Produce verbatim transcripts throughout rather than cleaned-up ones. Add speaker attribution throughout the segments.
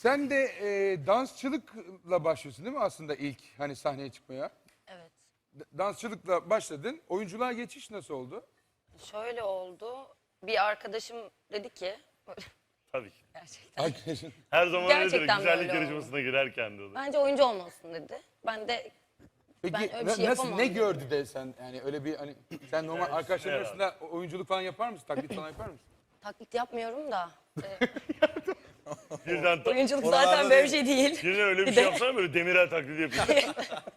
Speaker 1: Sen de e, dansçılıkla başlıyorsun değil mi aslında ilk hani sahneye çıkmaya?
Speaker 2: Evet.
Speaker 1: D- Dansçılıkla başladın. Oyunculuğa geçiş nasıl oldu?
Speaker 2: Şöyle oldu. Bir arkadaşım dedi ki
Speaker 3: Tabii ki.
Speaker 2: gerçekten.
Speaker 1: Arkadaşın.
Speaker 3: Her zaman öyledir.
Speaker 2: Gerçekten
Speaker 3: Güzellik
Speaker 2: böyle
Speaker 3: yarışmasına girerken de olur.
Speaker 2: Bence oyuncu olmalısın dedi. Ben de
Speaker 1: Peki
Speaker 2: Ben öyle bir
Speaker 1: na-
Speaker 2: şey
Speaker 1: nasıl
Speaker 2: yapamam
Speaker 1: ne
Speaker 2: dedim.
Speaker 1: gördü de sen yani öyle bir hani sen normal arkadaşların
Speaker 3: herhalde.
Speaker 1: arasında oyunculuk falan yapar mısın? Taklit falan yapar mısın?
Speaker 2: taklit yapmıyorum da. e,
Speaker 3: Birden, ta-
Speaker 2: oyunculuk
Speaker 4: Oralarda
Speaker 2: zaten böyle bir
Speaker 4: değil.
Speaker 2: şey değil.
Speaker 3: birden öyle bir
Speaker 2: Bir
Speaker 3: şey
Speaker 2: de-
Speaker 3: yapsana böyle Demirel taklidi yapıyorsun.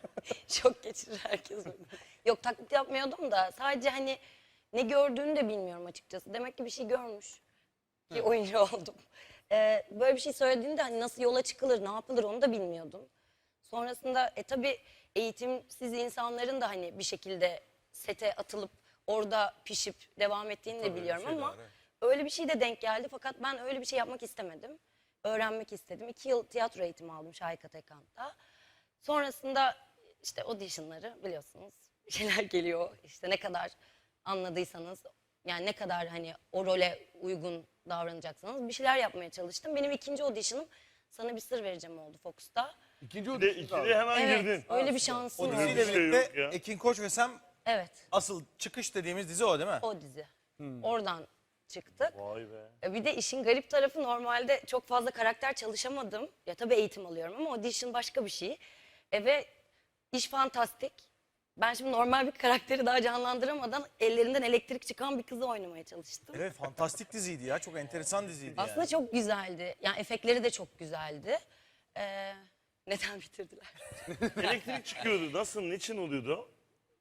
Speaker 2: Şok geçirir herkes. böyle. Yok taklit yapmıyordum da sadece hani ne gördüğünü de bilmiyorum açıkçası. Demek ki bir şey görmüş. Bir oyuncu oldum. Ee, böyle bir şey söylediğinde hani nasıl yola çıkılır, ne yapılır onu da bilmiyordum. Sonrasında e tabii eğitimsiz insanların da hani bir şekilde sete atılıp orada pişip devam ettiğini de biliyorum ama öyle bir şey de denk geldi. Fakat ben öyle bir şey yapmak istemedim. Öğrenmek istedim. İki yıl tiyatro eğitimi aldım Şahika Tekant'ta. Sonrasında işte auditionları biliyorsunuz bir şeyler geliyor. İşte ne kadar anladıysanız yani ne kadar hani o role uygun davranacaksanız bir şeyler yapmaya çalıştım. Benim ikinci auditionım Sana Bir Sır Vereceğim oldu Fox'ta.
Speaker 1: İkinci
Speaker 3: Bir de
Speaker 1: audition
Speaker 3: ikide
Speaker 1: kaldı.
Speaker 3: hemen
Speaker 2: Evet,
Speaker 3: girdin.
Speaker 2: öyle bir şansım
Speaker 4: O
Speaker 2: oldu.
Speaker 4: diziyle
Speaker 3: bir şey
Speaker 4: birlikte
Speaker 3: yok ya.
Speaker 4: Ekin Koç ve Sem
Speaker 2: Evet,
Speaker 4: asıl çıkış dediğimiz dizi o değil mi?
Speaker 2: o dizi. Oradan çıktık.
Speaker 3: Vay be.
Speaker 2: E, Bir de işin garip tarafı normalde çok fazla karakter çalışamadım. Ya tabii eğitim alıyorum ama audition başka bir şey. E, ve iş fantastik. Ben şimdi normal bir karakteri daha canlandıramadan ellerinden elektrik çıkan bir kızı oynamaya çalıştım.
Speaker 4: Evet, fantastik diziydi ya. Çok enteresan diziydi
Speaker 2: Aslında
Speaker 4: yani.
Speaker 2: çok güzeldi. Yani efektleri de çok güzeldi. E, neden bitirdiler?
Speaker 3: Elektrik çıkıyordu. Nasıl? Niçin oluyordu o?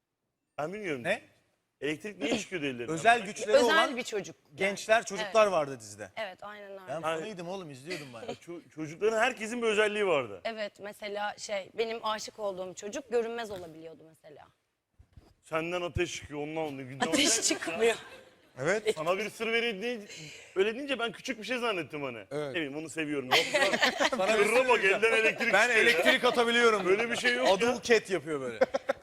Speaker 3: Ben bilmiyorum.
Speaker 4: Ne?
Speaker 3: Elektrik niye çıkıyordu ellerinden?
Speaker 4: Özel güçleri
Speaker 2: Özel
Speaker 4: olan
Speaker 2: bir çocuk.
Speaker 4: gençler, çocuklar vardı dizide.
Speaker 2: Evet, aynen öyle.
Speaker 4: Ben
Speaker 3: Hayır.
Speaker 4: fanıydım oğlum, izliyordum ben.
Speaker 3: Ço- çocukların herkesin bir özelliği vardı.
Speaker 2: Evet, mesela şey benim aşık olduğum çocuk görünmez olabiliyordu mesela.
Speaker 3: Senden ateş çıkıyor, ondan oluyor. Günden
Speaker 2: Ateş
Speaker 3: ateş-
Speaker 2: çıkmıyor.
Speaker 4: Evet.
Speaker 3: Sana bir sır vereyim deyince, öyle deyince ben küçük bir şey zannettim hani.
Speaker 1: Evet.
Speaker 3: Ne bileyim onu seviyorum. Yok lan.
Speaker 4: Sana bir
Speaker 3: Sırra bak elden elektrik
Speaker 4: Ben
Speaker 3: çıkıyor ya.
Speaker 4: elektrik atabiliyorum.
Speaker 3: Böyle bir şey yok ya.
Speaker 4: Adul Cat yapıyor böyle.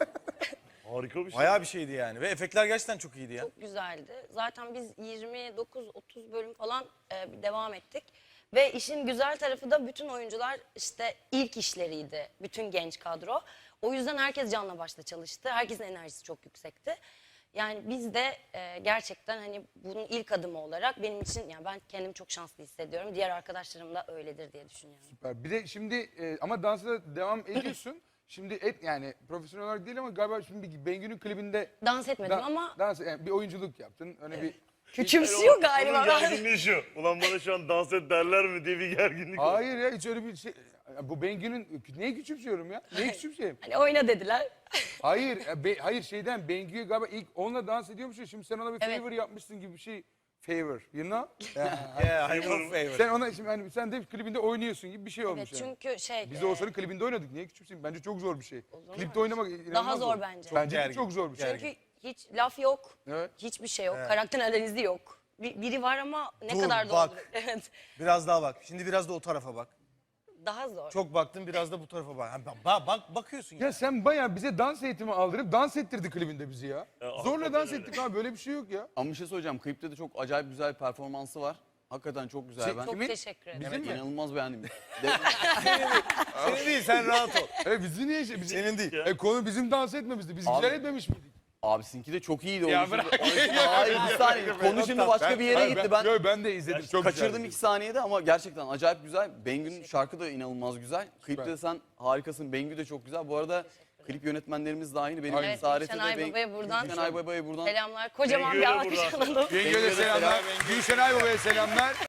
Speaker 3: Harika bir şey.
Speaker 4: Bayağı bir şeydi yani. Ve efektler gerçekten çok iyiydi ya.
Speaker 2: Çok güzeldi. Zaten biz yirmi dokuz otuz bölüm falan e, bir devam ettik. Ve işin güzel tarafı da bütün oyuncular işte ilk işleriydi. Bütün genç kadro. O yüzden herkes canla başla çalıştı. Herkesin enerjisi çok yüksekti. Yani biz de e, gerçekten hani bunun ilk adımı olarak benim için yani ben kendimi çok şanslı hissediyorum. Diğer arkadaşlarım da öyledir diye düşünüyorum.
Speaker 1: Süper. Bir de şimdi e, ama dansa da devam ediyorsun. Şimdi et yani profesyonel olarak değil ama galiba şimdi bir Bengü'nün klibinde
Speaker 2: Dans etmedim
Speaker 1: da-
Speaker 2: ama
Speaker 1: dans yani bir oyunculuk yaptın. Öyle bir
Speaker 2: küçümsüyor galiba.
Speaker 3: Onun gerginliği şu. Ulan bana şu an dans et derler mi diye bir gerginlik oldu.
Speaker 1: Hayır ya hiç öyle bir şey. Ya bu Bengü'nün neye küçümsüyorum ya? Neye küçümseyeyim?
Speaker 2: Hani oyna dediler.
Speaker 1: Hayır, ya be- hayır şeyden Bengü'ye galiba ilk onunla dans ediyormuş ya şimdi sen ona bir
Speaker 2: Evet.
Speaker 1: favor yapmışsın gibi bir şey. Favor, you know?
Speaker 4: Yeah, I love favor.
Speaker 1: Sen ona şimdi hani sen de klibinde oynuyorsun gibi bir şey
Speaker 2: Evet,
Speaker 1: olmuş yani.
Speaker 2: çünkü şey
Speaker 1: Biz de
Speaker 2: e,
Speaker 1: olsanın klibinde oynadık. Niye küçümseyeyim? Bence çok zor bir şey.
Speaker 2: mu?
Speaker 1: Klipte oynamak inanılmaz
Speaker 2: Daha zor bence. Çok
Speaker 1: Bence de
Speaker 4: gergin,
Speaker 1: çok zor bir şey.
Speaker 4: gergin.
Speaker 2: çünkü hiç laf yok.
Speaker 1: Evet.
Speaker 2: Hiçbir şey yok. Karakter analizi yok. Bir- biri var ama ne
Speaker 4: Dur,
Speaker 2: kadar
Speaker 4: bak.
Speaker 2: doğru. Evet.
Speaker 4: Biraz daha bak. Şimdi biraz da o tarafa bak.
Speaker 2: Daha zor.
Speaker 4: Çok baktın, biraz da bu tarafa bak. Ha, bak, bak bakıyorsun ya.
Speaker 1: Ya sen bayağı bize dans eğitimi aldırıp dans ettirdi klibinde bizi ya.
Speaker 3: Ya,
Speaker 1: Zorla
Speaker 3: hakikaten
Speaker 1: dans
Speaker 3: öyle.
Speaker 1: ettik abi böyle bir şey yok ya.
Speaker 5: Ama bir şey söyleyeceğim. Klipte de çok acayip güzel bir performansı var. Hakikaten çok güzel.
Speaker 1: Şey-
Speaker 5: ben
Speaker 2: Çok
Speaker 1: Kimin?
Speaker 2: teşekkür ederim.
Speaker 5: evet,
Speaker 1: mi?
Speaker 5: inanılmaz beğendim. De-
Speaker 4: Senin değil, sen rahat ol.
Speaker 1: E bizi niye şey? Bizi,
Speaker 4: Senin değil.
Speaker 1: E konu bizim dans etmemizdi. Biz
Speaker 5: Abi-
Speaker 1: güzel etmemiş miydik?
Speaker 5: Abi sizinki de çok iyiydi.
Speaker 1: Ya
Speaker 5: Onun
Speaker 1: bırak.
Speaker 5: şimdi- onun şimdi- hayır bir saniye. Konu şimdi başka bir yere
Speaker 1: Hayır,
Speaker 5: gitti. Ben
Speaker 1: Yo, ben de izledim. Çok
Speaker 5: kaçırdım
Speaker 1: güzeldi.
Speaker 5: iki saniyede ama gerçekten acayip güzel. Bengü'nün şarkı da inanılmaz güzel. Klipte de sen harikasın. Bengü de çok güzel. Bu arada klip yönetmenlerimiz de aynı. Benim
Speaker 2: Evet,
Speaker 5: Saadet'e
Speaker 2: Gülşen
Speaker 5: de
Speaker 2: Aybaba'ya buradan-
Speaker 5: Gülşen Aybaba'ya buradan
Speaker 2: Selamlar. Kocaman bir
Speaker 3: Bengü'ye
Speaker 2: alkış
Speaker 3: buradan.
Speaker 2: alalım.
Speaker 1: Bengü'ye de selamlar. Gülşen Aybaba'ya selamlar.